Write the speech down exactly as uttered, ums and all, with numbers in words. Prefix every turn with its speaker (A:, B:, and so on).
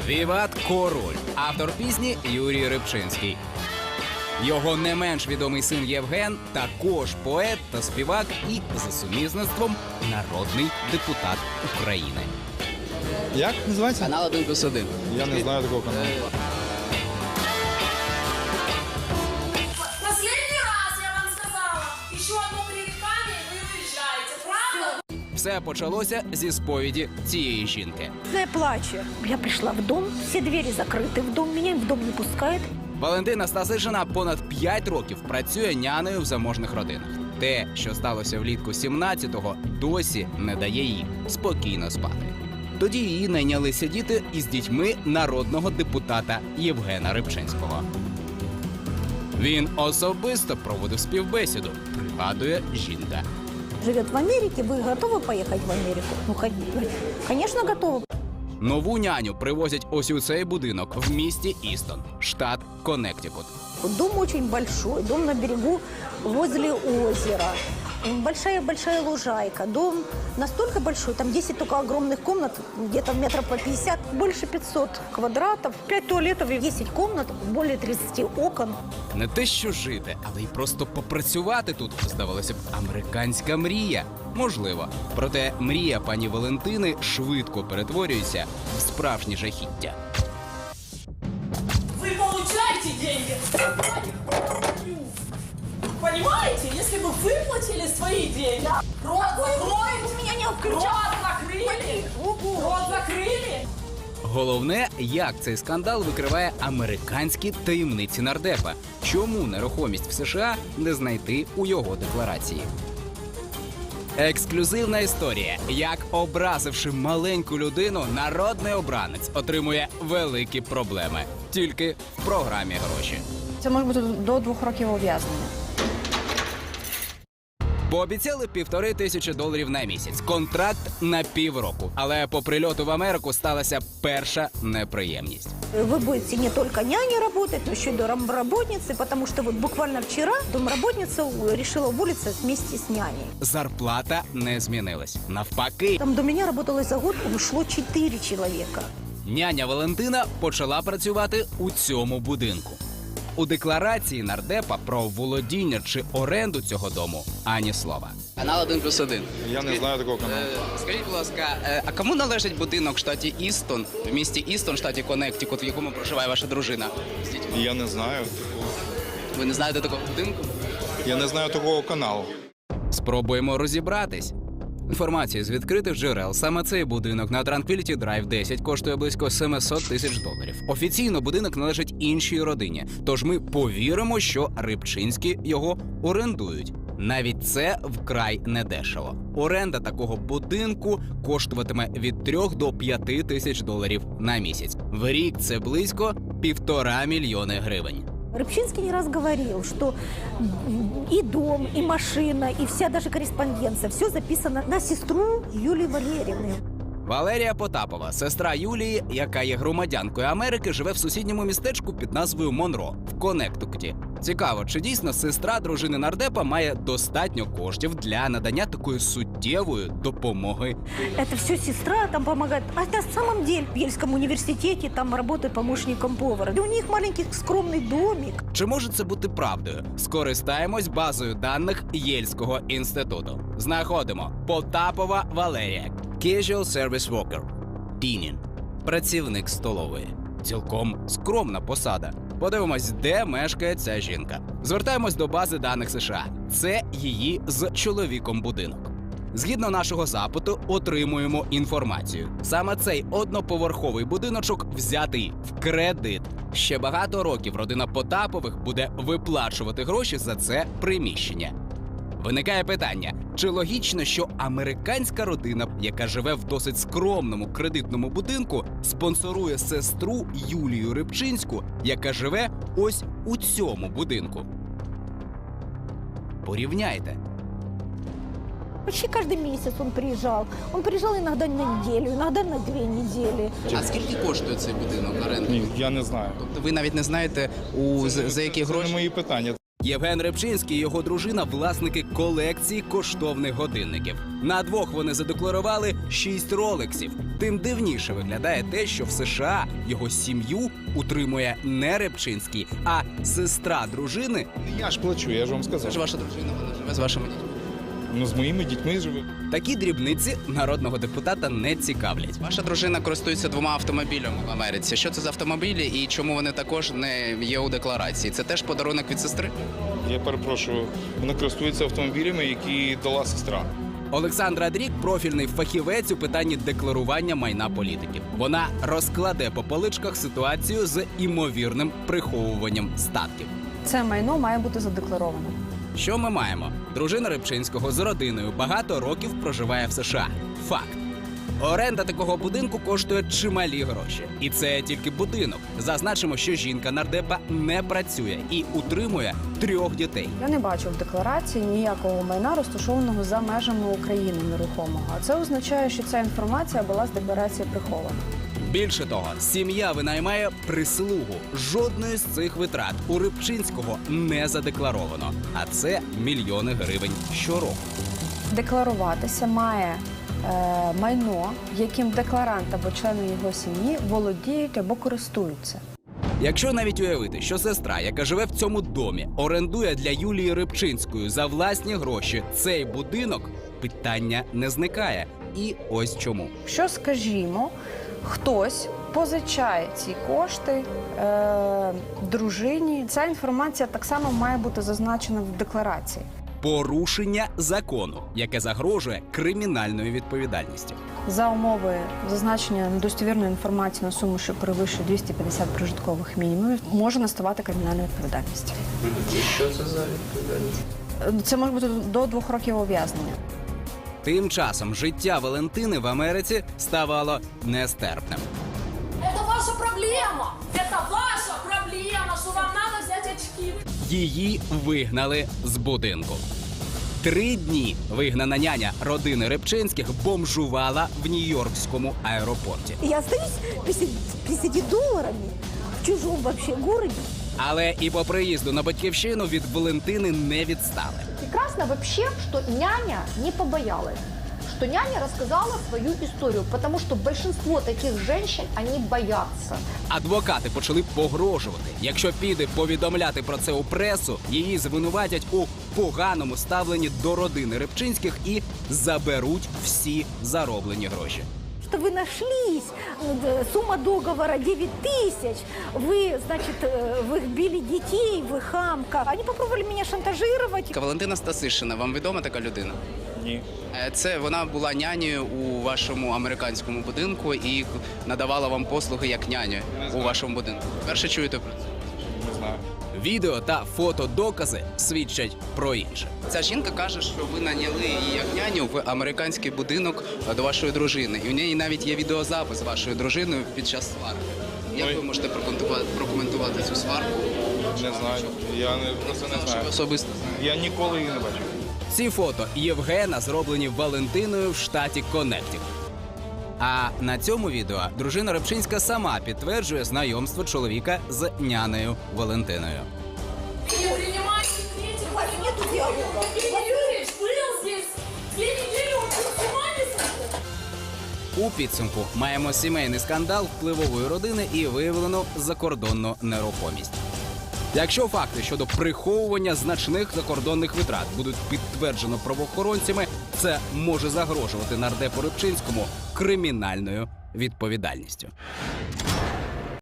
A: Віват Король, автор пісні Юрій Рибчинський. Його не менш відомий син Євген також поет та співак і, за сумісництвом, народний депутат України.
B: Як називається?
A: Канал один плюс один.
B: Я не знаю такого каналу.
C: Последний раз я вам сказала, еще одно пререкание, и вы уезжаете, правда?
A: Все почалося зі сповіді цієї жінки.
D: Я плачу. Я пришла в дом, все двери закрыты в дом, меня в дом не пускают.
A: Валентина Стасишина понад п'ять років працює нянею в заможних родинах. Те, що сталося влітку сімнадцятого, досі не дає їй спокійно спати. Тоді її найняли сидіти із дітьми народного депутата Євгена Рибчинського. Він особисто проводив співбесіду, пригадує жінка.
D: Живет в Америке, вы готовы поехать в Америку? Ну, ходить. Конечно, готовы.
A: Нову няню привозять ось у цей будинок в місті Істон, штат Коннектикут.
D: Дом очень большой, дом на берегу возле озера. Большая-большая лужайка. Дом настолько большой, там десять только огромных комнат, где-то метров по пятьдесят, больше пятьсот квадратов, пять туалетов и десять комнат, более тридцати окон.
A: Не те, що жити, але й просто попрацювати тут, здавалося б, американська мрія. Можливо. Проте мрія пані Валентини швидко перетворюється в справжнє жахіття.
C: Вы получаете деньги. Понимаете, если бы выплатили свои деньги, рот закройте,
D: Вы меня не
C: рот
D: включали.
C: закрыли, рот закрыли.
A: Головне, як цей скандал викриває американські таємниці нардепа. Чому нерухомість в США не знайти у його декларації? Ексклюзивна історія. Як, образивши маленьку людину, народний обранець отримує великі проблеми. Тільки в програмі «Гроші».
E: Це може бути до двох років ув'язнення.
A: Пообіцяли півтори тисячі доларів на місяць. Контракт на півроку. Але по прильоту в Америку сталася перша неприємність.
D: Вы будете не только няней работать, но еще и домработницей, потому что вот буквально вчера домработница решила уволиться вместе с няней.
A: Зарплата не змінилась. Навпаки,
D: Там до меня работало за год, ушло четыре человека.
A: няня Валентина почала працювати у цьому будинку. У декларації нардепа про володіння чи оренду цього дому ані слова. Канал один плюс один.
B: Я не знаю такого каналу.
A: Скажіть, будь ласка, а кому належить будинок в штаті Істон, в місті Істон, штаті Коннектикут, в якому проживає ваша дружина?
B: Я не знаю.
A: Ви не знаєте такого будинку?
B: Я не знаю такого каналу.
A: Спробуємо розібратись. Інформація з відкритих джерел. Саме цей будинок на Tranquility Drive десять коштує близько сімсот тисяч доларів. Офіційно будинок належить іншій родині, тож ми повіримо, що Рибчинські його орендують. Навіть це вкрай недешево. Оренда такого будинку коштуватиме від трьох до п'яти тисяч доларів на місяць. В рік це близько півтора мільйони гривень.
D: Рыбчинский не раз говорил, что и дом, и машина, и вся даже корреспонденция, все записано на сестру Юлии Валерьевны.
A: Валерія Потапова, сестра Юлії, яка є громадянкою Америки, живе в сусідньому містечку під назвою Монро в Коннектикуті. Цікаво, чи дійсно сестра дружини нардепа має достатньо коштів для надання такої суттєвої допомоги?
D: Это все сестра там помогает. А на самом деле в Ельском университете там работает помощником повара. И у них маленький скромный домик.
A: Чи може це бути правдою? Скористаємось базою даних Єльського інституту. Знаходимо Потапова Валерія, Casual Service Worker, Дінін, працівник столової. Цілком скромна посада. Подивимось, де мешкає ця жінка. Звертаємось до бази даних США. Це її з чоловіком будинок. Згідно нашого запиту, отримуємо інформацію. Саме цей одноповерховий будиночок взятий в кредит. Ще багато років родина Потапових буде виплачувати гроші за це приміщення. Виникає питання, чи логічно, що американська родина, яка живе в досить скромному кредитному будинку, спонсорує сестру Юлію Рибчинську, яка живе ось у цьому будинку? Порівняйте.
D: Почти каждый месяц он приезжал. Он приезжал иногда на неделю, иногда на две недели.
A: А скільки коштує цей будинок оренди?
B: Ні, я не знаю.
A: Тобто ви навіть не знаєте, у, за, за які
B: Це не
A: гроші?
B: мої питання.
A: Євген Рибчинський і його дружина – власники колекції коштовних годинників. На двох вони задекларували шість ролексів. Тим дивніше виглядає те, що в США його сім'ю утримує не Рибчинський, а сестра дружини.
B: Я ж плачу, я ж вам сказав.
A: ваша дружина, вона живе з вашими дітьми.
B: Ну, з моїми дітьми живе.
A: Такі дрібниці народного депутата не цікавлять. Ваша дружина користується двома автомобілями в Америці. Що це за автомобілі і чому вони також не є у декларації? Це теж подарунок від сестри?
B: Я перепрошую, вона користується автомобілями, які дала сестра.
A: Олександра Дрік – профільний фахівець у питанні декларування майна політиків. Вона розкладе по поличках ситуацію з імовірним приховуванням статків.
E: Це майно має бути задекларовано.
A: Що ми маємо? Дружина Рибчинського з родиною багато років проживає в США. Факт. Оренда такого будинку коштує чималі гроші. І це тільки будинок. Зазначимо, що жінка нардепа не працює і утримує трьох дітей.
E: Я не бачу в декларації ніякого майна, розташованого за межами України нерухомого. А це означає, що ця інформація була з декларації прихована.
A: Більше того, сім'я винаймає прислугу. Жодної з цих витрат у Рибчинського не задекларовано. А це мільйони гривень щороку.
E: Декларуватися має е, майно, яким декларант або члени його сім'ї володіють або користуються.
A: Якщо навіть уявити, що сестра, яка живе в цьому домі, орендує для Юлії Рибчинської за власні гроші цей будинок, питання не зникає. І ось чому.
E: Що, скажімо, хтось позичає ці кошти е, дружині, ця інформація так само має бути зазначена в декларації.
A: Порушення закону, яке загрожує кримінальною відповідальністю.
E: За умови зазначення недостовірної інформації на суму, що перевищує двісті п'ятдесят прожиткових мінімумів, може наставати кримінальна відповідальність.
F: Що це за відповідальність?
E: Це може бути до двох років ув'язнення.
A: Тим часом життя Валентини в Америці ставало нестерпним.
C: Это ваша проблема! Это ваша проблема, что вам надо взять очки.
A: Її вигнали з будинку. Три дні вигнана няня родини Рибчинських бомжувала в Нью-Йоркському аеропорті.
D: Я остаюсь пятьдесят долларами в чужом вообще городе.
A: Але і по приїзду на батьківщину від Валентини не відстали.
G: Прекрасно вообще, что няня не побоялась, что няня рассказала свою историю, потому что большинство таких женщин, они боятся.
A: Адвокати почали погрожувати. Якщо піде повідомляти про це у пресу, її звинуватять у поганому ставленні до родини Рибчинських і заберуть всі зароблені гроші.
D: Что вы нашлись, э, сумма договора девять тысяч, вы, значит, э, вы били детей, вы хамка. Они попробовали меня шантажировать.
A: Валентина Стасишина, вам відома така людина?
B: Ні.
A: Е, Це вона була нянею у вашому американському будинку і надавала вам послуги як няню у вашому будинку. Перше чуєте про це?
B: Не знаю.
A: Відео та фотодокази свідчать про інше. Ця жінка каже, що ви наняли її як няню в американський будинок до вашої дружини. І у неї навіть є відеозапис з вашою дружиною під час сварки. Як
B: Ой.
A: ви можете прокоментувати, прокоментувати цю сварку?
B: Не знаю. Я не, просто не
A: Що ви
B: знаю.
A: особисто знаєте?
B: Я ніколи її не бачив.
A: Ці фото Євгена зроблені Валентиною в штаті Коннектикут. А на цьому відео дружина Рибчинська сама підтверджує знайомство чоловіка з нянею Валентиною.
C: Не принимайте критику. У вас нету диалога. Евгений Юрьевич был здесь две недели, он что, с ума не сошел?
A: У підсумку маємо сімейний скандал впливової родини і виявлену закордонну нерухомість. Якщо факти щодо приховування значних закордонних витрат будуть підтверджено правоохоронцями, це може загрожувати нардепу Рибчинському кримінальною відповідальністю.